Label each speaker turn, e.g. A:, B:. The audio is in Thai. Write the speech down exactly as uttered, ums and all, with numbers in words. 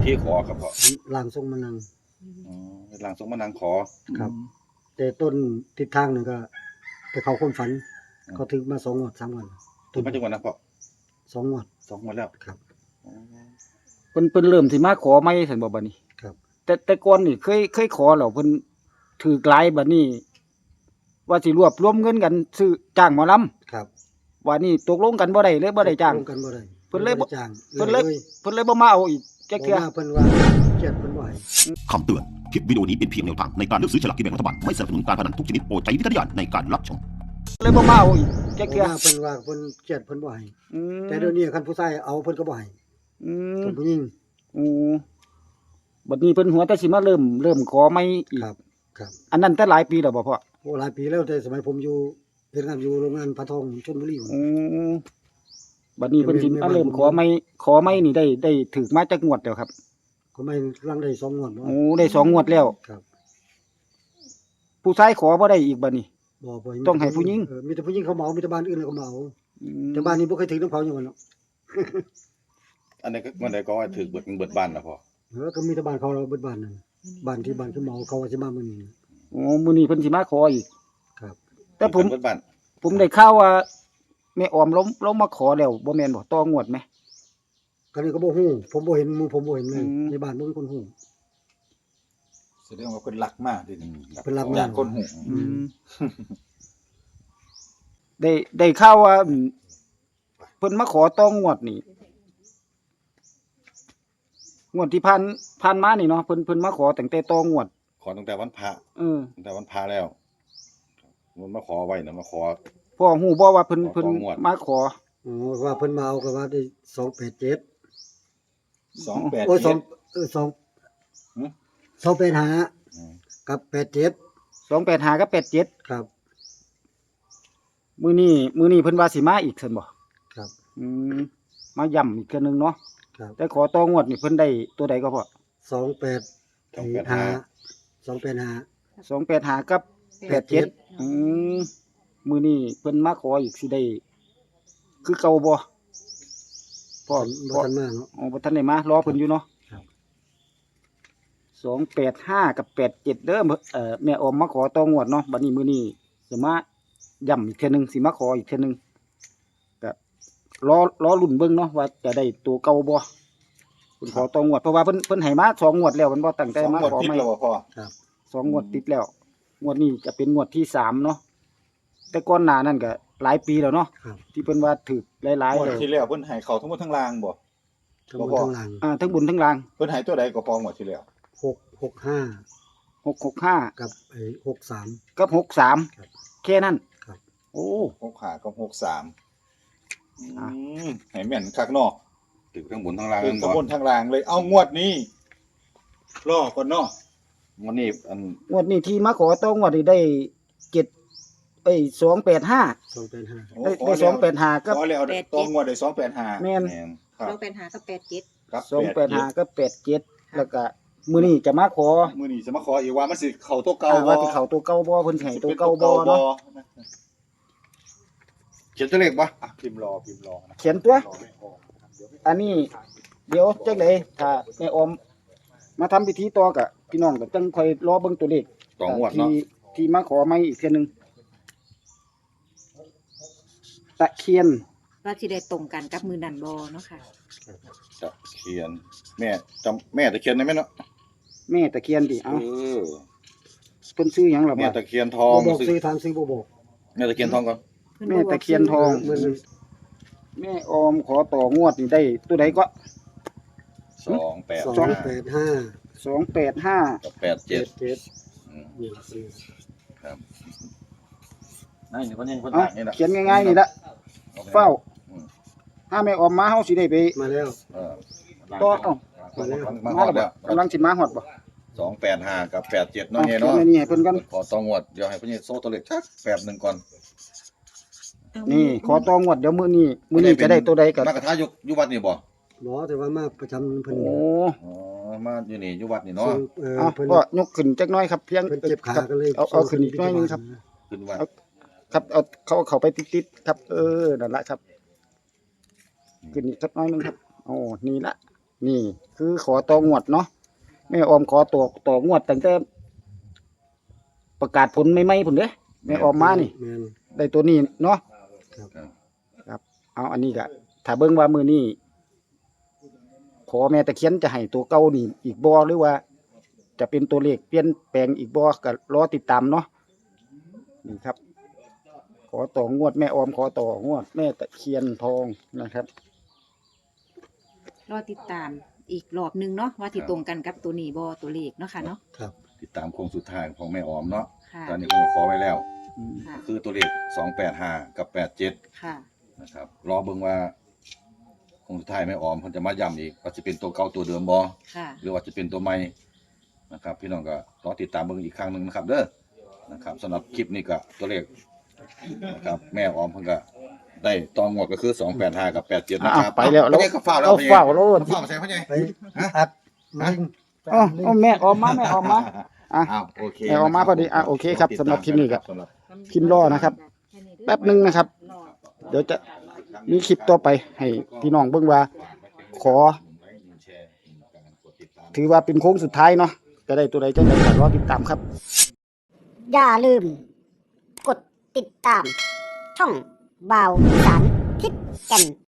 A: ธีขอครับพ่อ
B: ร่างทรงมานั่ง
A: อ๋อร่างทรงมานั่งขอ
B: ครับแต่ต้นทิศทางนึงก็ไปเข้าความฝันเขาถึงมาสองงวดสามงวด
A: ถึงมาจังหวัดนะพ่อ
B: สองงวด
A: สองงวดแล้ว
B: ครับ
C: เพิ่นเพิ่นเริ่มสิมาขอใหม่ซั่นบ่บัดนี้
B: ครับ
C: แต่แต่ก่อนนี่เคยเคยขอแล้วเพิ่นถูกหลายบัดนี้ว่าสิรวบรวมเงินกันซื้อจ้างหมอลำ
B: ครับ
C: ว่านี่ตกลงกันบ่ได้เลยบ่ได้จ้าง
B: ตกลงกันบ่ได้
C: เพิ่นเลยบ่
B: จ้าง
C: เพิ่นเลยเพิ่นเลยบ่มาเอาอีกจักเทื่อ
B: เพิ่นว่าเกลียดเพิ่นบ่ให้
D: คำเตือนคลิปวิดีโอนี้เป็นเพียงแนวทางในการเลือกซื้อฉลากกินแบ่งรัฐบาลไม่สนับสนุนการพนันทุกชนิดโปรดใช้วิจารณญาณในการรับชม
C: เลยบ่มาเอาอีกจักเทื่อ
B: เพิ่นว่าเพิ่นเกลียดเพิ่นบ่ให้
C: อืม
B: แต่เดี๋ยวนี้คันผู้ชายเอาเพิ่นก็บ่ให้
C: อืม
B: ผู้หญิง
C: อือบัดนี้เพิ่นหัวแต่สิมาเริ่มเริ่มขอใหม่อีก
B: ครับครับ
C: อันนั้นแต่หลายปีแล้วบ่พ่อ
B: โอ้หลายปีแล้วแต่สมัยผมอยู่เฮ็ดงานอยู่โรงงานปลาทองชลบุรี
C: อือบัดนี้เพิ่นสิมาเริ่มขอใหม่ขอใหม่นี่ได้ได้ถูกมาจักงวดแล้วครับ
B: ก็ไม่ลังได้สองงวดบ่
C: โอ้ได้สองงวดแล้ว
B: ครับ
C: ผู้ชายขอบ่ได้อีกบัดนี้
B: บ่บ่
C: ต้องให้ผู้หญิง
B: เออมีแต่ผู้หญิงเขาเหมามีแต่บ้านอื่นแล้วก็เหมาแต่บ้านนี้บ่เคยถึงน้ำเขาอย่างนั้นเนาะ
A: อันนี้ก็มันได้ก็ว่าถือเบิดเบิดบ้านนะพ่อ
B: เออก็มีแต่บ้านเขาเราเบิดบ้านนั่นบ้านที่บ้านคือเหมาเขาว่าสิมามื้อนี้
C: โอ้มื้อนี้เพิ่นสิมาขออีก
B: ครับ
C: แต่ผม
A: เบิดบ้าน
C: ผมได้ข่าวว่าแม่ออมล้มล้มมาขอแล้วบ่แม่นบ่ต่องวดมั้ย
B: ก็นี่ก็บ่ฮู้ผมบ่เห็นหมู่ผมบ่เห็นเลยในบ้านบ่มีคนฮู้
A: แสดงว่าเพิ่นรักมากดิ
B: เพิ่นรักมาก
A: ญาติคนฮู้
C: อืมได้ได้ข่าวว่าเพิ่นมาขอต่องวดนี่งวดที่ผ่านผ่านมานี่เนาะเพิ่นเพิ่นมาขอตั้งแต่ต่องวด
A: ขอตั้งแต่วันพระ
C: เออ
A: ตั้งแต่วันพระแล้วมันมาขอไว้นะมาขอ
C: พ่อฮู้บ่ว่าเพิ่นเพิ่นมาขอ
B: อ๋อว่าเพิ่นมาเอาก็ว่าได้สองแปดเจ็ด
A: สองแปดเจ็ด
B: โอ้ยสองเออสองหึสองแปดห้ากับแปดเจ็ด
C: สองแปดห้ากับแปดเจ็ด
B: ครับ
C: มื้อนี้มื้อนี้เพิ่นว่าสิมาอีกซั่นบ่
B: ครับ
C: อืมมาย้ำอีกเทื่อนึงเนาะ
B: ครับ
C: แต่ขอต่องวดนี่เพิ่นได้ตัวใดก็พอ
B: สองแปดห้า สองแปดห้า
C: สองแปดห้ากับแปดเจ็ดอืมมื้อนี้เพิ่นมาขออีกสิได้คือเก่าบ่พ่อ
B: บ่ทันมาเนาะ
C: อ๋อบ่ทันได้มารอเพิ่นอยู่เนาะ
B: ครับ
C: สองแปดห้ากับแปดเจ็ดเด้อเอ่อแม่ออมมาขอต่องวดเนาะบัดนี้มื้อนี้สิมาย้ำอีกเทื่อนึงสิมาขออีกเทื่อนึงก็รอรอลุ้นเบิ่งเนาะว่าจะได้ตัวเก่าบ่เพิ่นขอต่องวดเพราะว่าเพิ่นเพิ่นให้มาสองงวดแล้วเพิ่นบ่ตั้งใจมาขอใหม่
B: ครับ
C: สองงวดติดแล้วงวดนี้จะเป็นงวดที่สามเนาะแต่ก่อนหน้านั้นก็หลายปีแล้วเนาะที่เพิ่นว่าถูกหลายๆ
A: แล้วงวดที่แล้วเพิ่นให้เข้าทั้งหมดทั้งล่างบ่
B: ทั้งบนทั้งล่าง
C: อ่าทั้งบนทั้งล่าง
A: เพิ่นให้ตัวใดก็พองวดที่แล้ว
B: หก หก ห้า
C: หก หก ห้า
B: กับไอ้หกสาม
C: กับหกสาม
B: ครับ
C: แค่นั้น
B: ครับ
C: โอ้
A: หก ห้ากับหกสามอืมให้แม่นคักเนาะถึงทั้งบนทั้งล่าง
C: ถึ
A: ง
C: ทั้งบนทั้งล่างเลยเอางวดนี้รอก่อนเนาะ
A: งวดนี้อัน
C: งวดนี้ที่มาขอต่องวดนี่ได้เจ็ดเอ้ยสองแปดห้า
B: สองแปดห้า
C: ได้ได้สองแปดห้ากับ
A: ขอแล้วต่องวดได้สองแปดห้า
C: แม่น
E: สองแปดห้ากับแปดเจ็ด
A: ครับ
C: สองแปดห้ากับแปดเจ็ดแล้วก็มื้อนี้จะมาขอ
A: มื้อนี้จะมาขออีกว่ามันสิเข้าตัวเก่าบ่
C: ว่าสิเข้าตัวเก่าบ่เพิ่นให้ตัวเก่าบ่เนาะ
A: เขียนตัวเลขบ่อ่ะพิมพ์รอพิมพ์รอนะ
C: เขียนตัวอันนี้เดี๋ยวจังได๋ถ้าแม่ออมมาทำพิธีต่อก็พี่น้องก็จังค่อยรอเบิ่งตัวเลข
A: ต่องวดเนาะ
C: ที่ที่มาขอใหม่อีกเทื่อนึงตะเคียน
E: ว่าสิได้ตรงกันกับมื้อนั้นบ่เนาะค่ะ
A: ตะเคียนแม่จำแม่ตะเคียนได้มั้ยเนาะ
C: แม่ตะเคียนดิเอ้า
A: เออ
C: เพิ่นชื่อหยังล่ะ
A: แม่ตะเคียนทอง
B: บ่บอกชื่อทางสิบ่บอก
A: แม่ตะเคียนทองก่อน
C: แม่ตะเคียนทองแม่ออมขอต่องวดนี่ได้ตัวใดก็
A: สองแปด
B: สองแปดห้า
C: สองแปดห้า
A: กับแปดเจ็ด
B: อืมนี่ล่ะซื้อ
A: ครับนั่นนี่เพิ่นยังเพิ่น
C: ต่างนี่ล่ะเขียนง่ายๆนี่ล่ะเฝ้าถ้าแม่ออมมาเฮาสิได้ไป
B: มาแล้ว
A: เออ
C: ต่อเอ้า
B: มาแล้ว
A: มาฮอดแล้ว
C: กำลังสิมาฮอดบ่
A: สองแปดห้ากับแปดเจ็ดเนาะเนี่ยเนาะ
C: นี่ให้เพิ่นกัน
A: ขอต่องวดเดี๋ยวให้เพิ่นโซ่ตัวเลขชักแป๊บนึงก่อน
C: นี่ขอต่องวดเดี๋ยวมื้อนี้มื้อนี้จะได้ตัวใดก็
A: มากระทะอยู่อยู่วัดนี่บ่
B: บ่แต่ว่ามาประจำเพิ่น
C: โอ้
A: อ๋อมาอยู่นี่อยู่วัดนี่เนาะ
C: เออเพิ่นก็ยกขึ้นจักหน่อยครับเพียง
B: เพิ่นเจ็บขาก็เลย
C: เอาเอาขึ้นอีกหน่อยนึงครับ
A: ขึ้นวัด
C: ครับเอาเขาเข้าไปติดๆครับเออนั่นล่ะครับขึ้นอีกสักหน่อยนึงครับโอ้นี่ล่ะนี่คือขอต่องวดเนาะแม่ออมขอตัวต่องวดตั้งแต่ประกาศผลใหม่ๆพุ่นเด้แม่ออมมานี่
B: แม่น
C: ได้ตัวนี้เนาะ
B: ครับ
C: ครับ เอาอันนี้ก็ถ้าเบิ่งว่ามื้อนี้ขอแม่ตะเคียนจะให้ตัวเก่านี่อีกบ่หรือว่า จะเป็นตัวเลขเปลี่ยนแปลงอีกบ่ก็รอติดตามเนาะนี่ครับ ขอต่องวดแม่ออมขอต่องวดแม่ตะเคียนทองนะครับ
E: รอติดตามอีกรอบหนึงเนาะว่าที่ตรงกันกับตัวนี้บ่ตัวเลขเนาะค่ะเนาะ
B: ครับ
A: ติดตามโค้งสุดท้ายของแม่ออมเนาะ
E: ค่ะ
A: ตอนนี้ผมขอไว้แล้ว
E: ค่ะ
A: คือตัวเลขสองแปดห้ากับแปดเจ็ด
E: ค่ะ
A: นะครับรอเบิ่งว่าโค้งสุดท้ายแม่ออมเพิ่นจะมาย้ำอีกว่าจะเป็นตัวเก่าตัวเดิมบ่
E: ค่ะ
A: หรือว่าจะเป็นตัวใหม่นะครับ พี่น้องก็รอติดตามเบิ่งอีกครั้งหนึงนะครับเด้อนะครับสำหรับคลิปนี้ก็ตัวเลขนะครับแม่ออมเพิ่นก็ได้ตองงวดก็คือสองแปดห้ากับแปดเจ็ดนะครั
C: อ่ะ
A: บ
C: ไปแล้ว
A: เอาก็ฟ้าวแล้ว
C: เอาฟ้าวแล้ว
A: เอาฟ้าวใส่พ่อใหญ่
B: ไปอัดลิง
C: อ๋ออ๋อแม่ออมมาแม่ออมมาอ่ะ
A: อ้าวโอเค
C: แม่ออมมาพอดีอ่ะโอเคครับสำหรับคลิปนี้ก็ พิมพ์รอนะครับ แป๊บหนึงนะครับ เดี๋ยวจะมีคลิปต่อไปให้พี่น้องเบิ่งว่า ขอ ถือว่าเป็นโค้งสุดท้ายเนาะจะได้ตัวใดจะได้ก็รอติดตามครับ
F: อย่าลืม กดติดตาม ช่องบ่าวสารทิศแก่น